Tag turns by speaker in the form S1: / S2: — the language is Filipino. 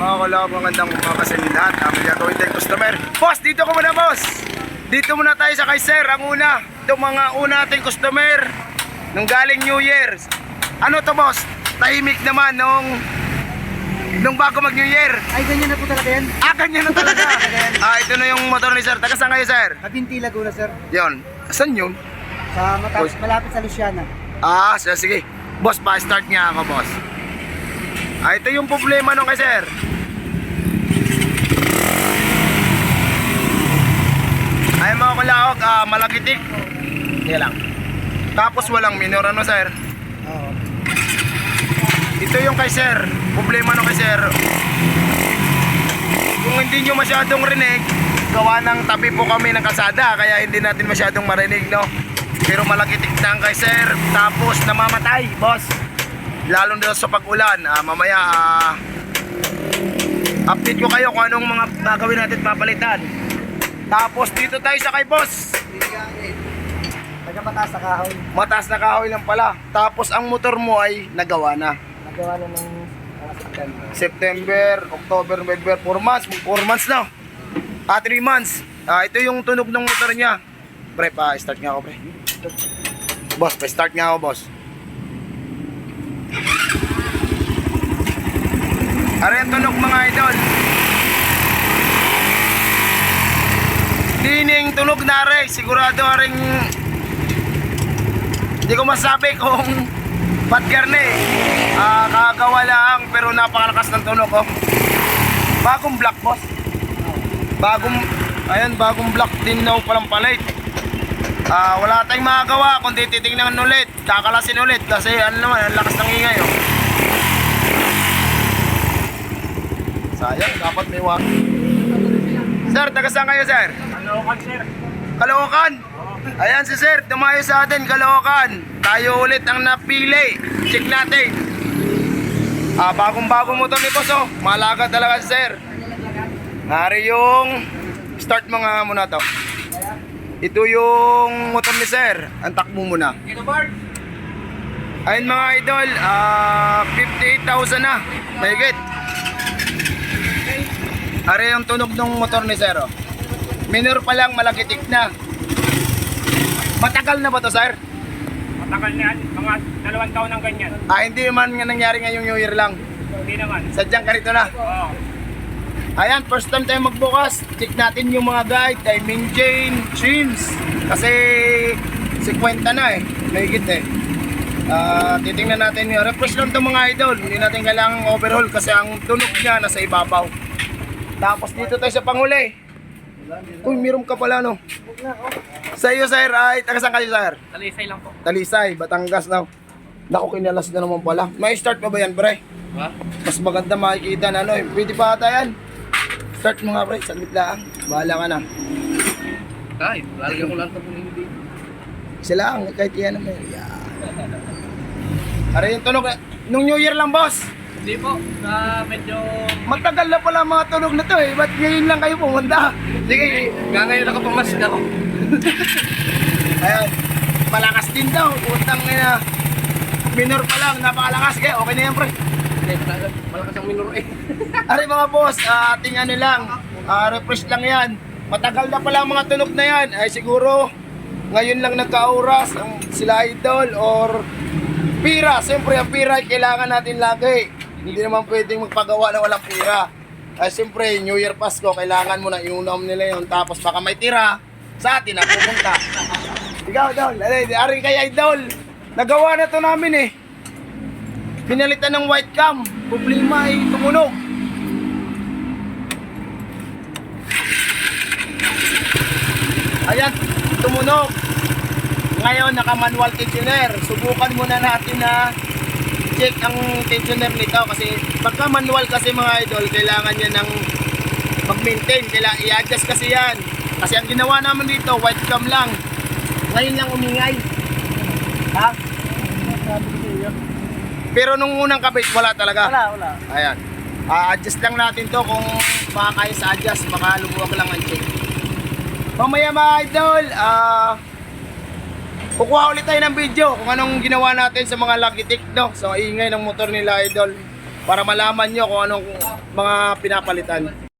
S1: Mga kalab, magandang umaga sa inyo lahat. Ang gagawin tayong customer. Boss, dito ko muna boss. Dito muna tayo sa kay Sir. Ang una, itong mga una nating customer nung galing New Year. Ano to boss? Tahimik naman nung bago mag New Year.
S2: Ay, ganyan na po talaga yan.
S1: Ganyan na talaga. Ito na yung motor ni Sir. Taga saan kayo Sir?
S2: Kabinti, Laguna, sir.
S1: Yun. Saan yun?
S2: Sa malapit sa Luciana.
S1: Sige. Boss, pa-start nga ako boss. Ito yung problema nung kay Sir. Ay mga kalaog, malagitik. Yan lang. Tapos walang minor, ano Sir?
S2: Oo.
S1: Ito yung kay Sir. Problema nung kay Sir. Kung hindi nyo masyadong rinig, gawa ng tabi po kami ng kalsada, kaya hindi natin masyadong marinig, no? Pero malagitik na ang kay Sir. Tapos namamatay, boss. Lalo na sa pag-ulan. Mamaya update ko kayo kung anong mga gagawin natin papalitan. Tapos dito tayo sa kay boss.
S2: Taga mataas na kahoy.
S1: Mataas na kahoy lang pala. Tapos ang motor mo ay nagawa na.
S2: Nagawa na ng
S1: September, October, November, 4 months. 4 months na. 3 months. Ito yung tunog ng motor niya. Pre, pa-start nga ako pre. Boss, pa-start nga ako boss. Are ang tunog mga idol. Dining tunog na rin. Sigurado rin. Hindi ko masabi kung patgarne. Kagawa lang pero napakalakas ng tunog oh. Bagong black boss. Bagong black din na palang palit. Wala tayong magagawa kundi titingnan ulit, kakalasin ulit kasi ano naman, ang lakas ng ingay oh. Sayang, dapat may wak. Sir, taga saan kayo sir?
S3: Caloocan, sir.
S1: Caloocan? Ayan si sir, tumayo sa atin, Caloocan. Tayo ulit ang napili. Check natin. Bagong motor ni boss oh. Malaga talaga si sir. Nari yung start mo nga muna to. Ito yung motor ni sir. Ang takbo muna. Ayun mga idol, 58,000 na. Mahigit. Are yung tunog ng motor ni sir oh. Minor pa lang, malagitik na. Matagal na ba to sir?
S3: Matagal na yan. Mga 2 taon ng ganyan.
S1: Hindi man nga nangyari ngayong New Year lang.
S3: Hindi naman.
S1: Sadyang ganito na.
S3: Oo.
S1: Ayan, first time tayo magbukas. Check natin yung mga guide, timing chain, trims. Kasi 50 na eh. Mahigit eh. Titingnan natin yung refresh lang itong mga idol. Hindi natin kailangang overhaul kasi ang tunog niya nasa ibabaw. Tapos dito tayo sa panghuli. Uy, meron ka pala no. Sa iyo sir, ay taga saan kayo sir?
S3: Talisay lang po.
S1: Talisay, Batangas na. Naku, kinalas na naman pala. May start pa ba yan pre?
S3: Ha?
S1: Mas maganda makikita na ano eh. Pwede pa ata yan. Start mo nga pre, saglit lang. Bahala ka na.
S3: Ay, lalagyan ko lang ito kung hindi.
S1: Sila lang, kahit yan naman. Yeah. Are yung tunog. Nung New Year lang boss.
S3: Hindi po. Medyo...
S1: Matagal na pala mga tunog na to eh. Ba't ngayon lang kayo pumunta? Sige.
S3: Ngayon ako pumasok ako.
S1: Ayan. Malakas din daw. Utang na. Minor pa lang. Napakalakas. Kaya okay na yan pre.
S3: Malakas ang minor eh.
S1: Are mga boss, ating ano lang. Refresh lang yan. Matagal na pala mga tunog na yan. Ay siguro ngayon lang nagka-oras ang sila idol or pira. Siyempre ang pira ay kailangan natin lagi. Hindi naman pwedeng magpagawa na walang pira. Ay siyempre New Year Pasko, kailangan mo na iunom nila yun. Tapos baka may tira sa atin na pupunta. Ikaw idol, ari kay idol. Nagawa na to namin eh. Pinalitan ng white cam. Problema ay tumunog. Ayan, tumunog. Ngayon naka-manual tensioner. Subukan muna natin na check ang tensioner nito kasi pagka manual kasi mga idol, kailangan niya ng mag-maintain, kailangan i-adjust kasi yan. Kasi ang ginawa naman dito, white cam lang. Ngayon lang umingay. Ha? Pero nung unang kabit, wala talaga.
S2: Wala.
S1: Ayan. Adjust lang natin to kung makakaya sa adjust, baka lumuwag lang ang check. Mamaya mga idol, kukuha ulit tayo ng video kung anong ginawa natin sa mga lagitik, no? Sa ingay ng motor nila idol. para malaman nyo kung anong mga pinapalitan.